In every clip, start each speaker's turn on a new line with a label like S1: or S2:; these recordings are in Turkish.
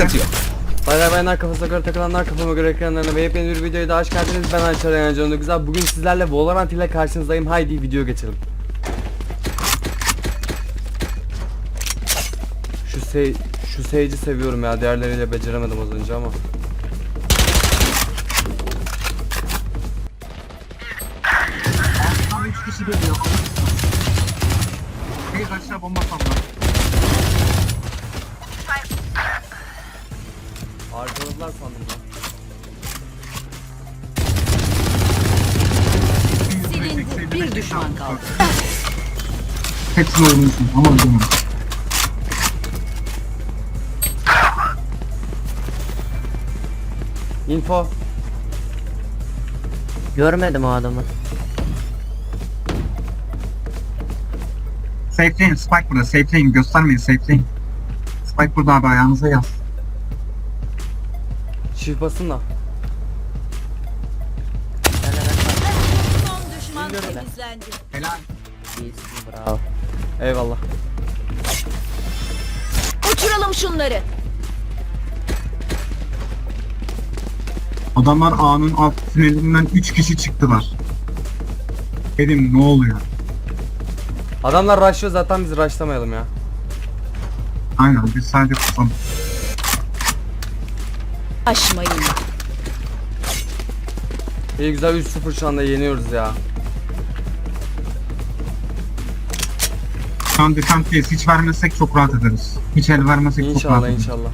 S1: sıkıntı yok.
S2: Bayanlar kafasına göre takılanlar kafama göre ekranlarına ve yepyeni bir videoya daha hoş geldiniz. Ben Ayşar Yancı güzel. Bugün sizlerle Valorant ile karşınızdayım. Haydi video geçelim. Şu Sage'i seviyorum ya. Diğerleriyle beceremedim az önce ama.
S3: Tam 3 kişi geliyor. Bir aşağı bomba sallar.
S2: Arkaladılar sandım lan.
S4: Silindi. Bir düşman kaldı.
S3: Hepsini öldürmüşsün ama öldürmem.
S2: Info.
S5: Görmedim o adamı.
S3: Safe'leyin, Spike burada, safe'leyin, göstermeyin, safe'leyin. Spike burada abi, ayağınıza yaz.
S2: Shift basın da.
S4: Son düşman temizlendi.
S3: Helal.
S5: İyisin, bravo.
S2: Eyvallah.
S4: Uçuralım şunları.
S3: Adamlar A'nın alt tünelinden 3 kişi çıktılar. Dedim ne oluyor?
S2: Adamlar rushlıyor zaten, biz rushlamayalım ya.
S3: Aynen, biz sadece kusalım.
S4: Aşmayın.
S2: İyi güzel 3-0 şu anda yeniyoruz ya.
S3: Şu an defense'deyiz, hiç vermezsek çok rahat ederiz. Hiç el vermezsek çok rahat
S2: İnşallah
S3: ederiz.
S2: inşallah.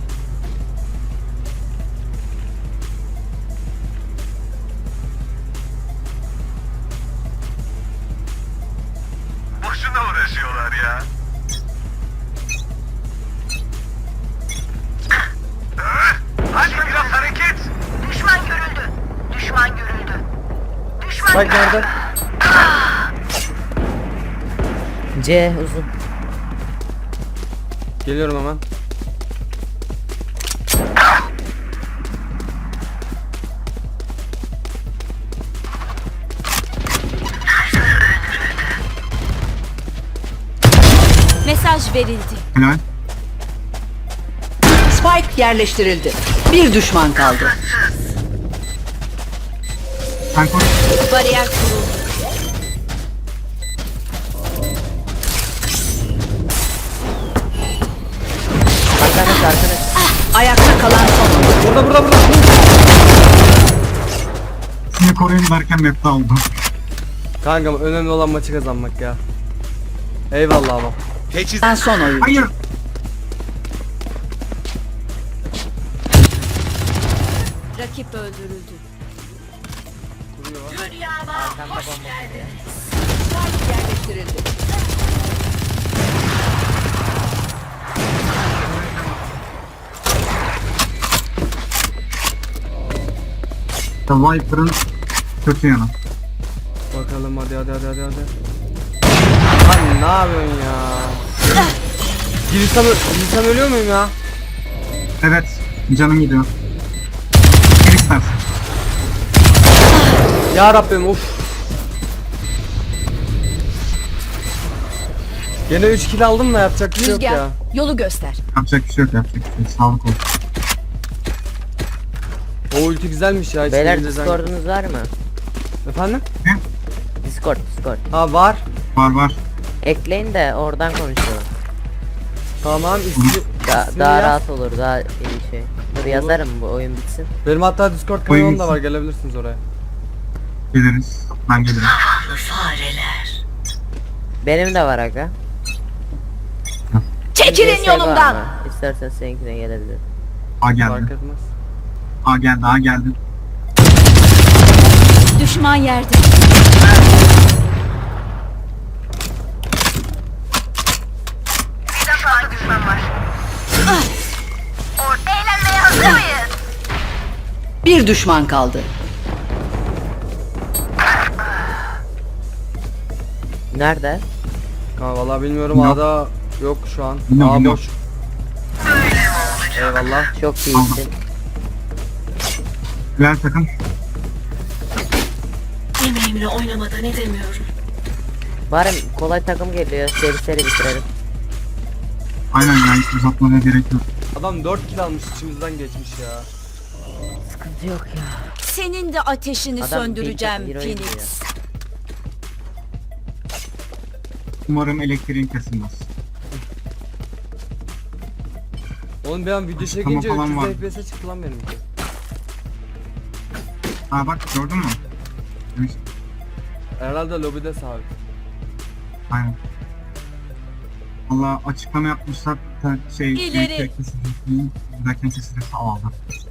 S6: Boşuna uğraşıyorlar ya. Hadi biraz hareket.
S7: Düşman görüldü. Düşman görüldü. Düşman
S2: Spike nerede?
S5: C uzun.
S2: Geliyorum hemen.
S4: Mesaj verildi.
S3: Helal.
S4: Spike yerleştirildi. Bir düşman kaldı.
S3: Sen koş.
S4: Bariyer kuruldu.
S5: Arkanız.
S4: Ayakta kalan son.
S2: Burada.
S3: Seni koruyun derken map'te aldım.
S2: Kankam önemli olan maçı kazanmak ya. Eyvallah ama.
S1: Teçhiz
S4: Ben son oyun.
S3: Hayır.
S4: Rakip öldürüldü. Spike yerleştirildi.
S3: The Viper'ın kötü yanı.
S2: Bakalım hadi. Lan ne yapıyorsun ya? Girsem ölüyor muyum ya?
S3: Evet, canım gidiyor. Ne istersin?
S2: Ya Rabbim of. Gene 3 kill aldım da yapacak bir şey yok
S4: Rüzgar
S2: ya.
S4: yolu göster.
S3: Yapacak bir şey yok, yapacak bir şey yok. Sağlık olsun.
S2: O ulti güzelmiş ya. hiç
S5: Beyler
S2: İngilizceden-
S5: Discord'unuz var mı?
S2: Efendim?
S5: Discord.
S2: Ha var.
S3: Var.
S5: Ekleyin de oradan konuşalım.
S2: Tamam ismi
S5: Daha
S2: yaz.
S5: rahat olur, daha iyi şey. Dur yazarım bu oyun bitsin.
S2: Benim hatta Discord kanalım da var, gelebilirsiniz oraya.
S3: Geliriz. Ben gelirim.
S5: Benim de var aga.
S4: Çekilin
S5: CS var
S4: yolumdan.
S5: ama İstersen seninkine gelebilir.
S3: A
S2: Fark
S3: geldi.
S2: etmez.
S3: A geldi.
S4: Düşman yerde.
S7: birden fazla düşman var. Eğlenmeye hazır mıyız?
S4: Bir düşman kaldı.
S5: Nerede?
S2: Ha vallahi bilmiyorum,
S3: Yok.
S2: A'da yok şu an.
S3: Bilmiyorum,
S2: A boş. Eyvallah.
S5: Çok iyisin.
S3: Diğer takım.
S8: Yemeğimle oynamadan edemiyorum.
S5: Bari kolay takım geliyor. Seri bitirelim.
S3: Aynen ya, hiç uzatmaya gerek yok.
S2: Adam 4 kill almış, içimizden geçmiş ya.
S5: Sıkıntı yok ya.
S4: Senin de ateşini
S5: Adam
S4: söndüreceğim
S5: bir hero
S4: Phoenix.
S3: Umarım elektriğin kesilmez.
S2: Oğlum bir an video
S3: Açıklama
S2: çekince
S3: falan
S2: 300
S3: var.
S2: FPS'e çıktı lan benimki.
S3: Ha bak gördün mü? Demiş.
S2: Herhalde lobide sabit.
S3: Aynen. Valla açıklama yapmışlar da
S4: İleri.
S3: elektrik kesildiğini derken kesilirse aldı.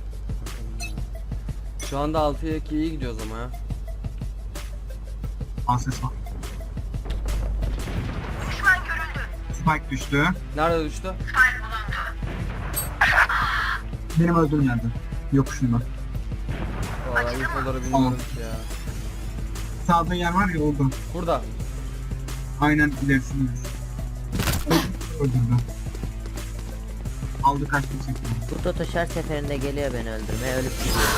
S2: Şu anda 6'ya 2 iyi gidiyoruz ama ya.
S3: Al ses var.
S7: Düşman görüldü.
S3: Spike düştü.
S2: Nerede düştü?
S3: Benim öldüğüm yerde. Yokuşunda.
S2: Vallahi infoları bilmiyorum
S3: Tamam.
S2: ki ya.
S3: Sağda yer var ya oldu.
S2: Burada.
S3: Aynen ilerisinde. Öldürdü. Aldı kaçtı çekti.
S5: Bu Totoş her seferinde geliyor beni öldürmeye, ölüp gidiyor.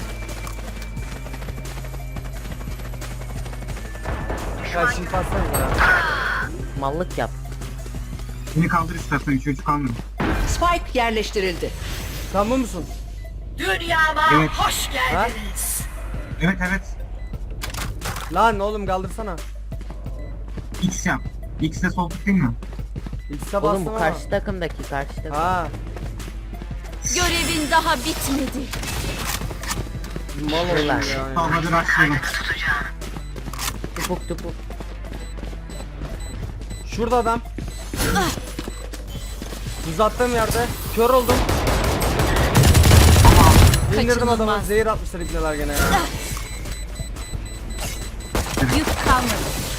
S2: Ya şimdi passanıza ya.
S5: Mallık yap.
S3: Beni kaldır istersen 3-3 kalmıyor.
S4: Spike yerleştirildi.
S2: Sen bu musun?
S8: Dünyama
S3: Evet.
S8: hoş geldiniz.
S3: Evet evet.
S2: Lan oğlum kaldırsana.
S3: X yap. X'e sol tık değil mi?
S2: X'e
S5: Oğlum
S2: bastım
S5: bu
S2: ama.
S5: karşı takım.
S2: Ha.
S4: Görevin daha bitmedi.
S2: Mal oldum
S5: Lan.
S2: ya.
S3: Tamam hadi başlayalım.
S5: Tupuk tupuk.
S2: Şurada adam. Uzattığım yerde. Kör oldum. İndirdim adamı.
S4: Kaçınılmaz.
S2: Zehir atmışlar ibneler gene ya.
S4: Yük kalmadı.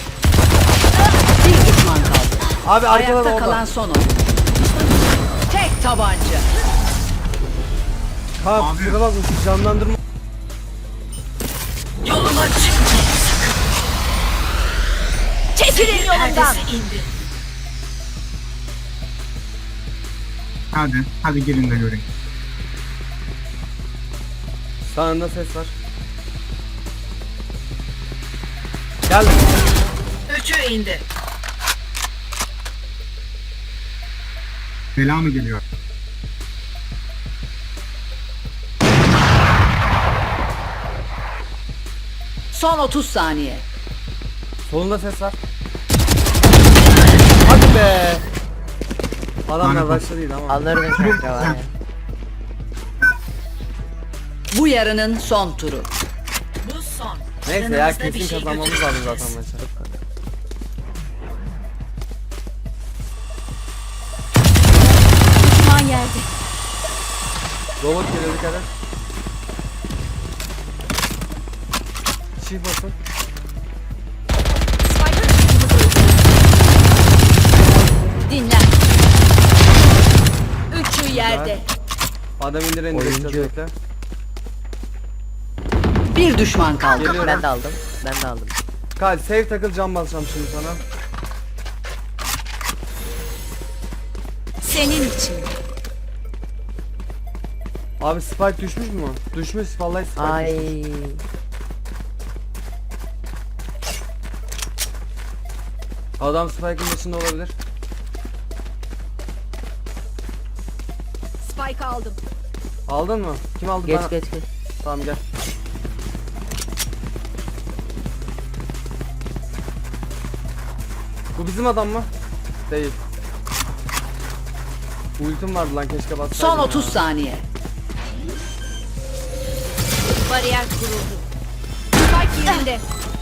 S4: Bir düşman kaldı.
S2: Abi arkada da
S4: Ayakta
S2: orada.
S4: kalan son oyun. Tek tabanca.
S2: Ha
S3: Abi.
S2: kusura bakma şu canlandırma.
S8: Yoluma çıkmayın.
S4: Çekilin yolumdan.
S8: Perdesi indi.
S3: Hadi gelin de göreyim.
S2: Sağında ses var. Gel.
S8: Üçü indi.
S3: Bela mı geliyor?
S4: Son 30 saniye.
S2: Solunda ses var. Hadi be. Adamlar
S3: Lanet
S2: başta değil ama.
S5: Alırdım kanka var ya.
S4: Bu yarının son turu.
S8: Bu son.
S2: Neyse ya
S8: Yanımızda bir
S2: kesin
S8: şey
S2: kazanmamız lazım zaten maçı.
S4: Düşman yerde.
S2: Robot geliyor dikkat et. Çift basın.
S4: Dinlen. Üçü yerde.
S2: Adam indir indir
S5: Oyuncu.
S2: edeceğiz bekle.
S4: Bir düşman kaldı.
S2: Geliyorum.
S5: Ben de aldım.
S2: Kal save takıl cam basacağım şimdi sana.
S4: Senin için.
S2: Abi spike düşmüş mü? Düşmüş vallahi spike
S5: Ay.
S2: düşmüş. Adam spike'ın başında olabilir.
S4: Spike aldım.
S2: Aldın mı? Kim aldı?
S5: Geç
S2: Ben-
S5: geç.
S2: Tamam gel. Bu bizim adam mı? Değil. Ultim vardı lan keşke bassaydım.
S4: Son
S2: ya.
S4: 30 saniye. Bariyer kuruldu. Spike yerinde.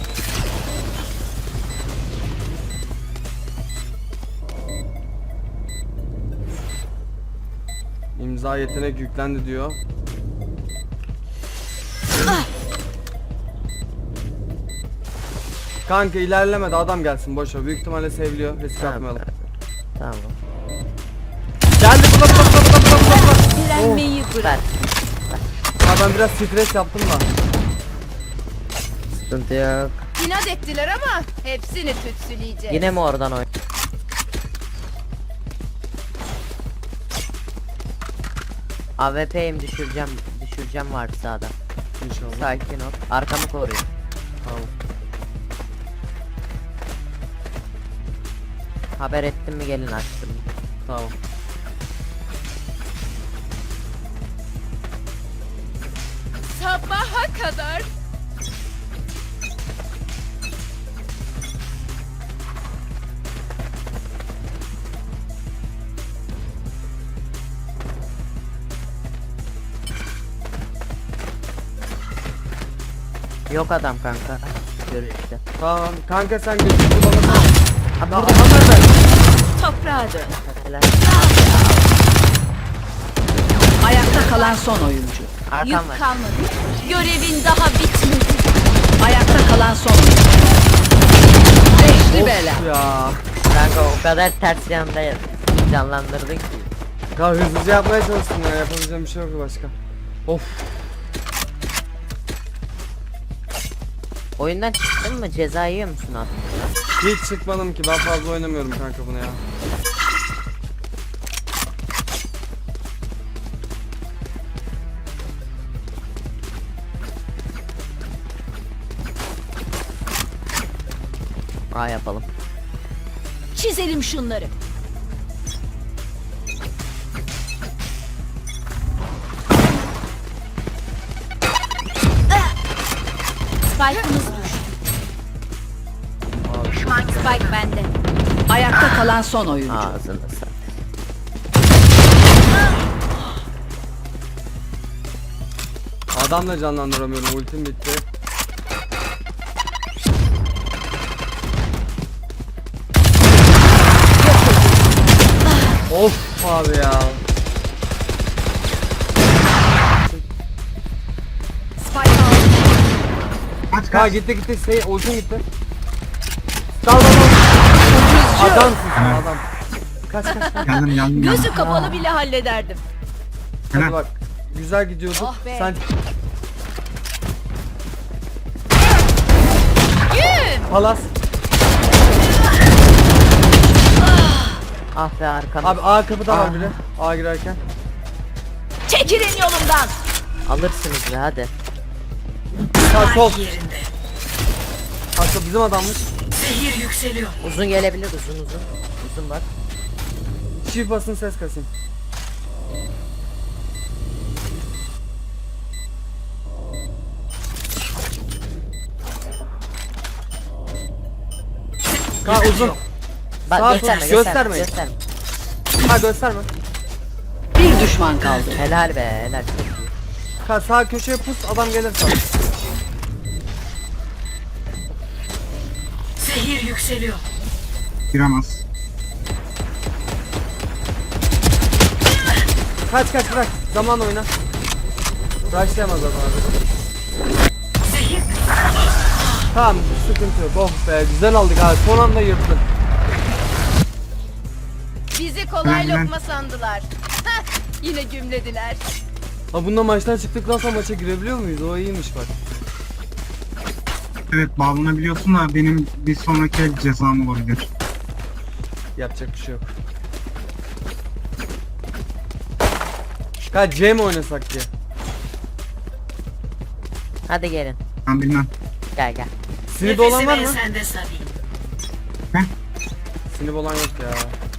S2: İmza yetenek yüklendi diyor. Kanka ilerlemedi adam gelsin boşver. Büyük ihtimalle seviliyor. Risk atmayalım.
S5: Tamam.
S2: Geldi burada.
S4: Direnmeyi
S5: Ver.
S4: bırak.
S2: Ha ben biraz stres yaptım da.
S5: Sıkıntı yok.
S4: İnat ettiler ama hepsini tütsüleyeceğiz.
S5: Yine mi oradan oyn? AWP'yim düşüreceğim var sağda.
S2: İnşallah.
S5: Sakin ol. Arkamı koruyor.
S2: Tamam.
S5: Haber ettim mi gelin açtım.
S2: Tamam.
S4: Sabaha kadar.
S5: Yok adam kanka. Görüşte.
S2: Tamam kanka sen gözünü kullanırsın.
S5: Abi
S2: Tamam
S5: burada
S2: Ömer Bey.
S4: Toprağa dön.
S5: helal.
S1: Ayakta kalan son oyuncu.
S5: Arkam
S4: Yük
S5: var.
S4: kalmadı. Görevin daha bitmedi.
S1: Ayakta kalan son oyuncu. Beşli bela.
S2: Ya.
S5: Kanka o kadar ters yanda canlandırdın ki.
S2: Kanka hızlıca yapmaya çalıştım ya. Yapabileceğim bir şey yok başka. Of.
S5: Oyundan çıktın mı? Ceza yiyor musun abi?
S2: Hiç çıkmadım ki. Ben fazla oynamıyorum kanka bunu ya.
S5: Aa yapalım.
S4: Çizelim şunları. Spike'ımız düştü. Spike bende.
S1: Ayakta kalan son oyuncu.
S5: Ağzını sat.
S2: Adam da canlandıramıyorum. Ultim bitti. Of abi ya.
S4: Spike aldı.
S3: Kaç
S2: Ha
S3: kaç.
S2: gitti. Ultim gitti. Dal. Adamsın sen adam. Kaç.
S3: Geldim.
S4: Gözü kapalı bile hallederdim.
S2: Hadi
S3: Helal.
S2: bak. Güzel gidiyorduk.
S4: Oh be.
S2: Sen
S4: Güm.
S2: palas.
S5: Ah be arkam.
S2: Abi A kapıda var biri. A girerken.
S4: Çekilin yolumdan.
S5: Alırsınız be hadi.
S2: Sağ sol.
S8: Yerinde.
S2: Aslında bizim adammış.
S8: Zehir yükseliyor.
S5: Uzun gelebilir uzun. Uzun bak.
S2: Çift basın ses kasayım. Ha uzun.
S5: Bak
S2: Sağ
S5: gösterme
S2: sol,
S5: gösterme.
S2: göstermeyin.
S5: Gösterme.
S2: Ha gösterme.
S1: Bir düşman kaldı.
S5: Helal be helal. Çok iyi.
S2: Ha sağ köşeye pus adam gelir sağ.
S8: Zehir yükseliyor.
S3: Giremez.
S2: Kaç bırak. Zaman oyna. Rushlayamaz adam abi.
S8: Zehir
S2: Tamam sıkıntı yok. Oh be güzel aldık abi. Son anda yırttın.
S4: Bizi kolay
S3: Lan.
S4: lokma sandılar. Heh, yine gümlediler.
S2: Ha bunda maçtan çıktıktan sonra maça girebiliyor muyuz? O iyiymiş bak.
S3: Evet bağlanabiliyorsun da benim bir sonraki el cezam olabilir.
S2: Yapacak bir şey yok. Ha C mi oynasak diye.
S5: Hadi gelin.
S3: Ben bilmem.
S5: Gel gel.
S2: Sinip olan var
S8: nefesi
S2: mı?
S8: ensende Sabi.
S2: Sinip olan yok ya.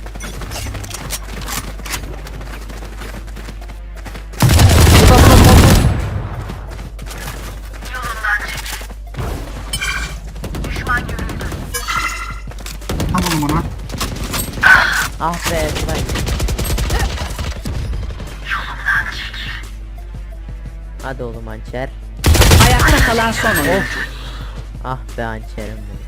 S3: Tamam bana.
S5: Ah be Tugay. Hadi oğlum hançer.
S1: Ayakta kalan son oyuncu.
S5: Ah be hançerim benim.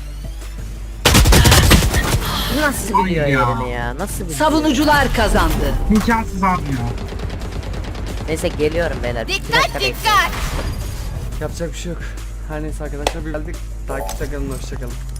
S5: Nasıl biliyor
S3: Ay ya.
S5: yerini ya? Nasıl biliyor?
S1: Savunucular kazandı.
S3: İmkansız abi ya.
S5: Neyse geliyorum beyler. Bir
S4: Dikkat
S5: dakika bekleyin.
S4: dikkat.
S2: Yapacak bir şey yok. Her neyse arkadaşlar bir geldik. Takipte kalın, hoşça kalın.